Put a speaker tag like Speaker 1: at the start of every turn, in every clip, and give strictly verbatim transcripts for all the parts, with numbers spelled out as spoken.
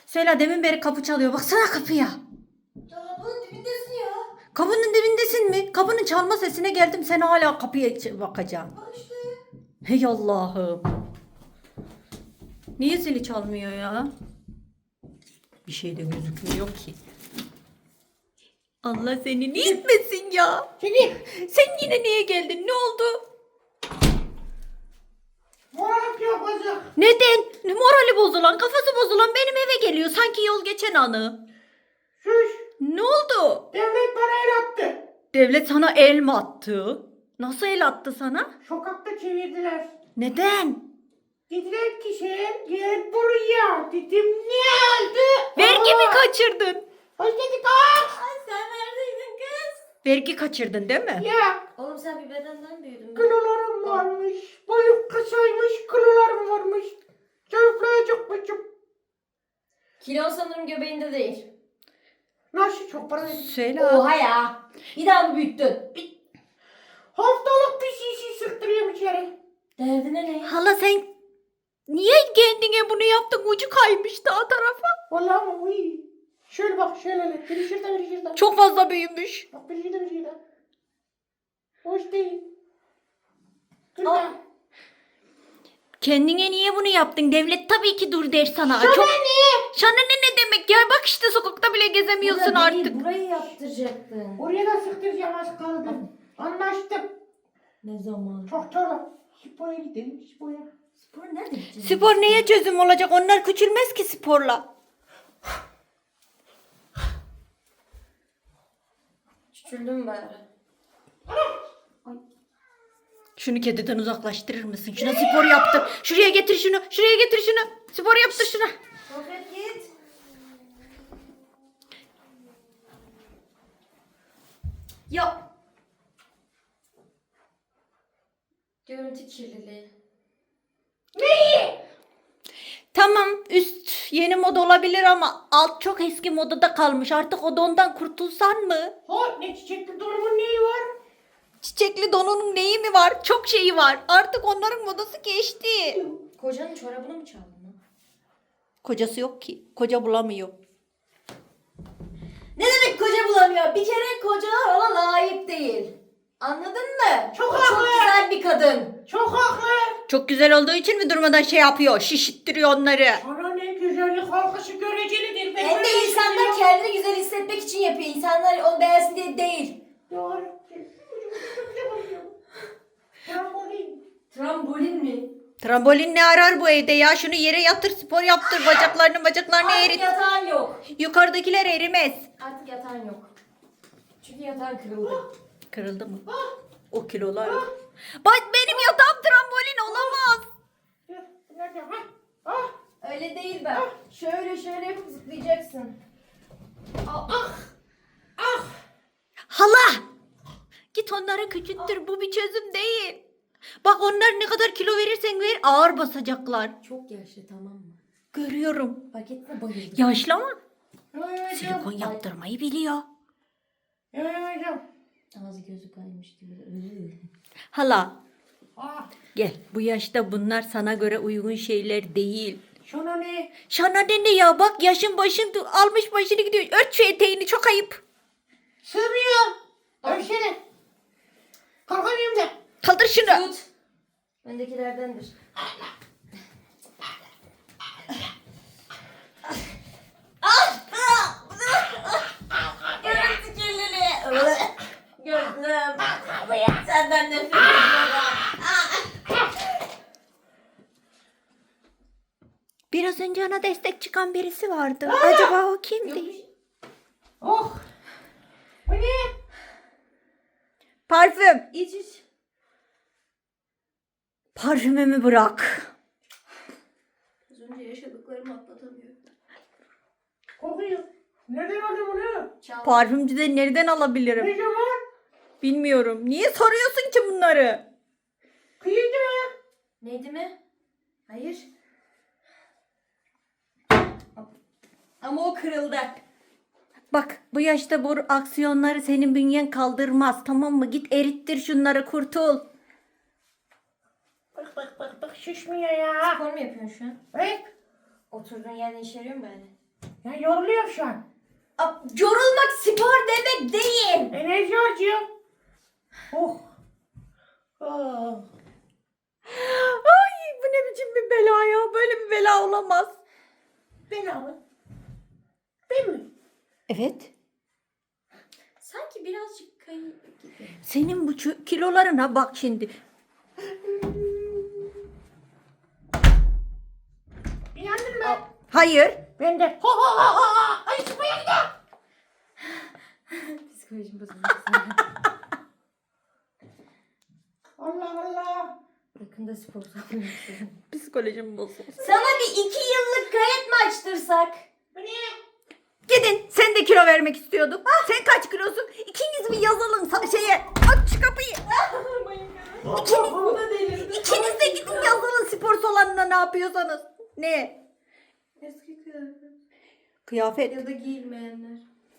Speaker 1: Süheyla demin beri kapı çalıyor. Baksana kapıya.
Speaker 2: Ya bunun dibindesin ya.
Speaker 1: Kapının dibindesin mi? Kapının çalma sesine geldim. Sen hala kapıya bakacaksın.
Speaker 2: Bak işte.
Speaker 1: Hey Allah'ım. Niye zili çalmıyor ya? Bir şey de gözükmüyor ki. Allah seni ne etmesin ya.
Speaker 2: Çekil.
Speaker 1: Sen yine niye geldin? Ne oldu?
Speaker 2: Moralık yapacak.
Speaker 1: Neden? Morali bozulan, kafası bozulan benim eve geliyor. Sanki yol geçen anı.
Speaker 2: Şuş.
Speaker 1: Ne oldu?
Speaker 2: Devlet bana el attı.
Speaker 1: Devlet sana el mi attı? Nasıl el attı sana?
Speaker 2: Sokakta çevirdiler.
Speaker 1: Neden?
Speaker 2: Dediler ki sen gel buraya. Dedim ne oldu?
Speaker 1: Vergi mi
Speaker 2: Aa,
Speaker 1: kaçırdın?
Speaker 2: Hoş geldin kız. Ay sen neredeydin kız?
Speaker 1: Vergi kaçırdın değil mi?
Speaker 2: Ya
Speaker 3: Oğlum sen bir bedenden büyüdün.
Speaker 2: kılılarım varmış. Boyum kısaymış kılılarım varmış. Çöplayacak mıyım?
Speaker 3: Kilon sanırım göbeğinde değil.
Speaker 2: Nasıl çok para verin?
Speaker 1: Söyle.
Speaker 3: Oha ya. Bir daha mı büyüttün?
Speaker 2: Haftalık bir şişi sıktırıyorum içeri.
Speaker 3: Derdine ne?
Speaker 1: Hala sen niye kendine bunu yaptın? Ucu kaymış daha tarafa.
Speaker 2: Vallahi ama uy. Şöyle bak şöyle. Biri şurada biri şurada.
Speaker 1: Çok fazla büyümüş.
Speaker 2: Bak biri şurada biri şurada. Hoş değil. Dur
Speaker 3: Al.
Speaker 2: ya.
Speaker 1: Kendine niye bunu yaptın? Devlet tabii ki dur der sana.
Speaker 2: Sana
Speaker 1: Çok...
Speaker 2: ne?
Speaker 1: Sana ne ne demek ya? Bak işte sokakta bile gezemiyorsun
Speaker 3: Burada
Speaker 1: artık.
Speaker 3: değil, burayı yaptıracaktın.
Speaker 2: Oraya da sıktıracağım az kaldı. Anlaştık.
Speaker 3: Ne zaman?
Speaker 2: Doktorla. Spoya gidelim spoya.
Speaker 3: Spor nerede gideceğiz?
Speaker 1: Spor neye çözüm olacak? Onlar küçülmez ki sporla.
Speaker 3: Küçüldüm bari.
Speaker 1: Şunu kediden uzaklaştırır mısın? Şuna spor yaptır. Şuraya getir şunu. Şuraya getir şunu. Spor yaptır şuna.
Speaker 3: Sohbet git.
Speaker 1: Ya.
Speaker 3: Görüntü kirliliği.
Speaker 1: Tamam üst yeni moda olabilir ama alt çok eski modada kalmış. Artık o dondan kurtulsan mı?
Speaker 2: Ha ne çiçekli donumun neyi var?
Speaker 1: Çiçekli donunun neyi mi var? Çok şeyi var. Artık onların modası geçti.
Speaker 3: Kocanın çorabını mı çaldın lan?
Speaker 1: Kocası yok ki. Koca bulamıyor.
Speaker 3: Ne demek koca bulamıyor? Bir kere kocalar ona layık değil. Anladın mı?
Speaker 2: Çok
Speaker 3: O
Speaker 2: haklı.
Speaker 3: Çok güzel bir kadın.
Speaker 2: Çok haklı.
Speaker 1: Çok güzel olduğu için mi durmadan şey yapıyor? Şişittiriyor onları.
Speaker 2: Sana ne güzellik halkası görecelidir. Ben
Speaker 3: Hem
Speaker 2: böyle
Speaker 3: de insanlar
Speaker 2: düşünüyorum.
Speaker 3: kendini güzel hissetmek için yapıyor. İnsanlar onu beğensin diye değil.
Speaker 2: Doğru. Trambolin.
Speaker 3: Trambolin mi?
Speaker 1: Trambolin ne arar bu evde ya? Şunu yere yatır, spor yaptır. Bacaklarını bacaklarını
Speaker 3: Artık
Speaker 1: erit.
Speaker 3: yatağın yok.
Speaker 1: Yukarıdakiler erimez.
Speaker 3: Artık yatağın yok. Çünkü yatağın kırıldı.
Speaker 1: Kırıldı mı? O kilolar. Bak benim yatağım trambolin olamaz.
Speaker 2: Nerede? Ha? Ah.
Speaker 3: Öyle değil ben. Şöyle şöyle yapıp zıplayacaksın.
Speaker 2: Ah. Ah.
Speaker 1: Hala! Git onları küçülttür. Bu bir çözüm değil. Bak onlar ne kadar kilo verirsen ver ağır basacaklar.
Speaker 3: Çok yaşlı tamam mı?
Speaker 1: Görüyorum.
Speaker 3: Paketine bayıldım.
Speaker 1: Yaşlı ama
Speaker 2: Yemeyeceğim.
Speaker 1: silikon yaptırmayı biliyor.
Speaker 2: Yemeyeceğim.
Speaker 3: Ağzı gözü kaymış gibi.
Speaker 1: Hala
Speaker 2: Ah.
Speaker 1: gel. Bu yaşta bunlar sana göre uygun şeyler değil.
Speaker 2: Şuna ne?
Speaker 1: Şana ne ne ya bak yaşın başın almış başını gidiyor. Ört şu eteğini çok ayıp.
Speaker 2: Sığmıyor. Ölçene. Kalkamıyorum da.
Speaker 1: Kaldır şunu.
Speaker 3: Tut. Bendekilerdendir. Görüntü kirliliği. Gözüm. Senden nefret ediyorum.
Speaker 1: Biraz önce ona destek çıkan birisi vardı. Acaba o kimdi?
Speaker 2: Oh. Bu ne?
Speaker 1: Parfüm.
Speaker 3: İç iç.
Speaker 1: Parfümümü bırak.
Speaker 3: Az önce yaşadıklarımı atlatamıyorum.
Speaker 2: Kokuyor. Nereden aldın bunu?
Speaker 3: Çal.
Speaker 1: Parfümcüden nereden
Speaker 2: Ne
Speaker 1: alabilirim?
Speaker 2: zaman?
Speaker 1: Bilmiyorum. Niye soruyorsun ki bunları?
Speaker 2: Kıyıldı mı?
Speaker 3: Neydi mi? Hayır. Ama o kırıldı.
Speaker 1: Bak bu yaşta bu aksiyonları senin bünyen kaldırmaz. Tamam mı? Git erittir şunları kurtul.
Speaker 2: Bak bak bak bak şişmiyor ya.
Speaker 3: Spor mu yapıyorsun şu an?
Speaker 2: Evet.
Speaker 3: Oturduğun yerden işe yarıyor mu böyle?
Speaker 2: Ya yoruluyorum şu an.
Speaker 3: A, yorulmak spor demek değil.
Speaker 2: Enerji harcıyor. Oh. Oh.
Speaker 1: Ay bu ne biçim bir bela ya. Böyle bir bela olamaz.
Speaker 2: Bela mı? Ben mi?
Speaker 1: Evet.
Speaker 3: Sanki birazcık kayıp gibi.
Speaker 1: Senin bu çö- kilolarına bak şimdi.
Speaker 2: İnandın mı?
Speaker 1: Hayır.
Speaker 2: Ben de. Ho ho ho ho ho. Hadi çıkmaya gidelim.
Speaker 3: Psikolojim bozuldu.
Speaker 2: Allah Allah.
Speaker 3: Yakında spor salonu istedim.
Speaker 1: Psikolojim bozuldu.
Speaker 3: Sana bir iki yıllık kayıt mı açtırsak?
Speaker 2: Bu ne?
Speaker 1: Gidin. Sen de kilo vermek istiyordun. Sen kaç kilosun? İkiniz bir yazalım sa- şeye. Aç şu kapıyı. İkiniz,
Speaker 3: Bu da delirdi.
Speaker 1: ikiniz de gidin yazalım spor salonuna ne yapıyorsanız. Ne?
Speaker 3: Eski kıyafet.
Speaker 1: Kıyafet.
Speaker 3: Ya da giyilmeyenler.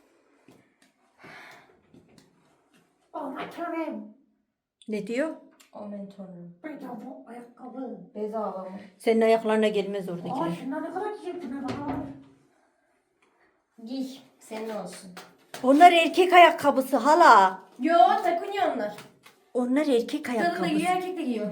Speaker 2: Aman tanrım.
Speaker 1: Ne diyor?
Speaker 3: Amen tanrım.
Speaker 2: Bedava ayakkabı.
Speaker 3: Bedava mı?
Speaker 1: Senin ayaklarına gelmez
Speaker 2: Aa
Speaker 1: oradakiler.
Speaker 2: şunlar ne kadar güzel. Şuna bakalım.
Speaker 3: Giy. Senin olsun.
Speaker 1: Onlar erkek ayakkabısı hala.
Speaker 3: Yo takınıyor onlar.
Speaker 1: Onlar erkek
Speaker 3: Kadın da
Speaker 1: ayakkabısı.
Speaker 3: giyiyor erkek de giyiyor.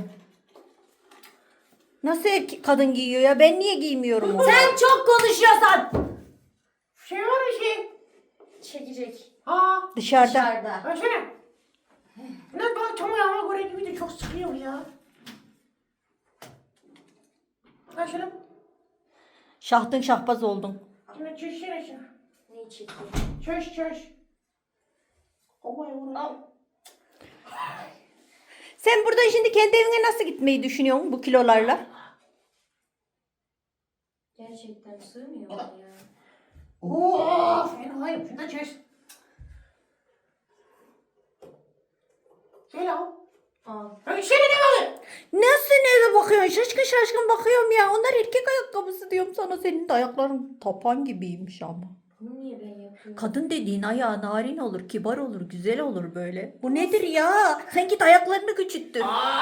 Speaker 1: Nasıl erkek kadın giyiyor ya? Ben niye giymiyorum onu?
Speaker 3: Sen çok konuşuyorsan.
Speaker 2: Şey var bir şey.
Speaker 3: Çekecek.
Speaker 2: Ha.
Speaker 1: Dışarıda.
Speaker 3: Dışarıda.
Speaker 2: Versene. Ne bana tam ayağıma göre gibi de çok sıkıyor ya. Ha şunu.
Speaker 1: Şahtın şahbaz oldun.
Speaker 2: Şunu çözsene şunu.
Speaker 3: Neyi çekiyor?
Speaker 2: Çöz çöz. Kovaya
Speaker 3: Al.
Speaker 2: vurayım.
Speaker 1: Sen buradan şimdi kendi evine nasıl gitmeyi düşünüyorsun bu kilolarla?
Speaker 3: Gerçekten sığmıyor mu ya?
Speaker 2: Oo, fena hayır. Şunu da çöz. Şöyle al.
Speaker 3: Al.
Speaker 2: Öyle şöyle ne var?
Speaker 1: Nasıl nereye bakıyorsun? Şaşkın şaşkın bakıyorum ya. Onlar erkek ayakkabısı diyorum sana. Senin de ayakların tapan gibiymiş ama.
Speaker 3: Bunu niye ben yapıyorum?
Speaker 1: Kadın dediğin ayağı narin olur, kibar olur, güzel olur böyle. Bu nedir ya? Sen git ayaklarını küçülttür.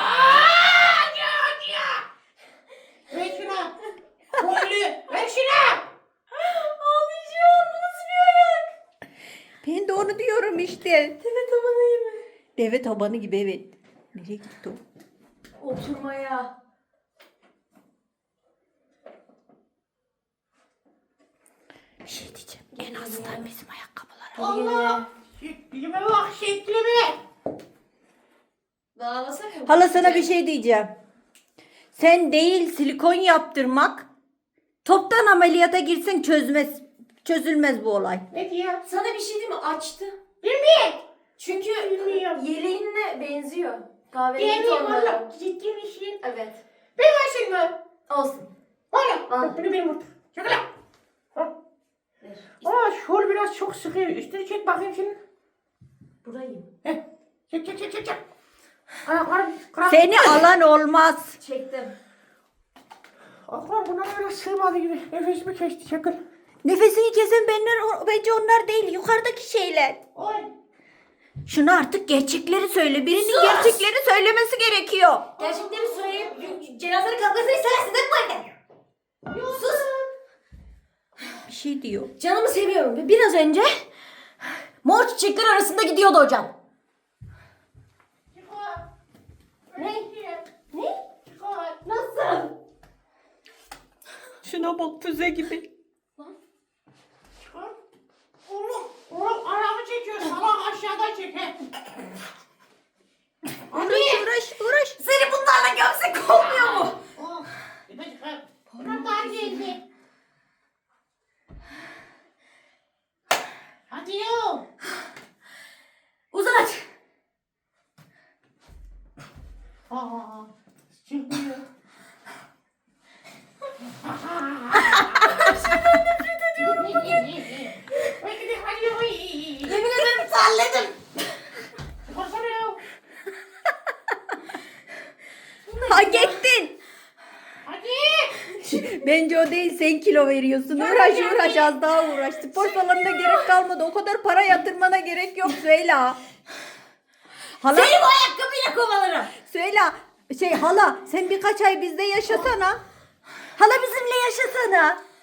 Speaker 2: Ver şuna. Koylu. Ver şuna.
Speaker 3: Ağlayacağım. Bu nasıl bir ayak?
Speaker 1: Ben de onu diyorum işte.
Speaker 3: Deve tabanı gibi.
Speaker 1: Deve tabanı gibi evet. Nereye gitti o?
Speaker 3: Oturmaya.
Speaker 1: Bir şey diyeceğim. En azından bizim ayakkabılar.
Speaker 2: Allah. Şeklime bak şeklime.
Speaker 3: Dağlasak mı?
Speaker 1: Hala sana bir şey diyeceğim. Sen değil silikon yaptırmak. Toptan ameliyata girsen çözmez. Çözülmez bu olay.
Speaker 2: Ne diyor?
Speaker 3: Sana bir şey diyeyim mi? Açtı.
Speaker 2: Bilmiyorum.
Speaker 3: Çünkü
Speaker 2: Bilmiyorum.
Speaker 3: yeleğinle benziyor. Kahverengi
Speaker 2: Bilmiyorum
Speaker 3: tonları.
Speaker 2: valla. Ciddi misin?
Speaker 3: Evet.
Speaker 2: Ben versin mi?
Speaker 3: Olsun.
Speaker 2: Valla.
Speaker 3: Al.
Speaker 2: Yok bunu benim orta. Şaka lan. Ha.
Speaker 3: Ver.
Speaker 2: Aa şol biraz çok sıkıyor. Üstünü çek bakayım şimdi.
Speaker 3: Burayı.
Speaker 2: Heh. Çek çek çek çek çek. Ayaklarım kral.
Speaker 1: Seni alan olmaz.
Speaker 3: Çektim.
Speaker 2: Aklım buna biraz sığmadı gibi. Nefesimi kesti çakıl.
Speaker 1: Nefesini kesen benler, bence onlar değil. Yukarıdaki şeyler.
Speaker 2: Oy.
Speaker 1: Şunu artık gerçekleri söyle. Birinin
Speaker 3: Sus!
Speaker 1: gerçekleri söylemesi gerekiyor.
Speaker 3: Gerçekleri söyleyip cenazenin kalkmasını istersin değil mi anne? Sus.
Speaker 1: Bir şey diyor.
Speaker 3: Canımı seviyorum ve biraz önce mor çiçekler arasında gidiyordu hocam.
Speaker 2: Çıkar.
Speaker 3: Ne? Ne?
Speaker 2: Çıkar.
Speaker 3: Nasıl?
Speaker 1: Şuna bak füze gibi.
Speaker 2: Çıkar. Oğlum. Oğlum ayağımı çekiyor. Salak aşağıdan çek. he.
Speaker 1: Uğraş uğraş uğraş.
Speaker 3: Seni bunlarla gömsek olmuyor mu?
Speaker 2: Oh. Bir de çıkar. Bunlar daha geldi. Hadi yo.
Speaker 3: Uzat.
Speaker 2: Aa. Çıkmıyor.
Speaker 3: Yemin ederim terledim.
Speaker 1: Hak ettin.
Speaker 2: Hadi.
Speaker 1: Bence o değil, sen kilo veriyorsun. Uğraş uğraş az daha uğraş. Spor salonuna gerek kalmadı. O kadar para yatırmana gerek yok Süheyla. Hala,
Speaker 3: Seni bu ayakkabıyla kovalarım.
Speaker 1: Süheyla şey hala sen birkaç ay bizde yaşasana. Hala bizimle yaşasana.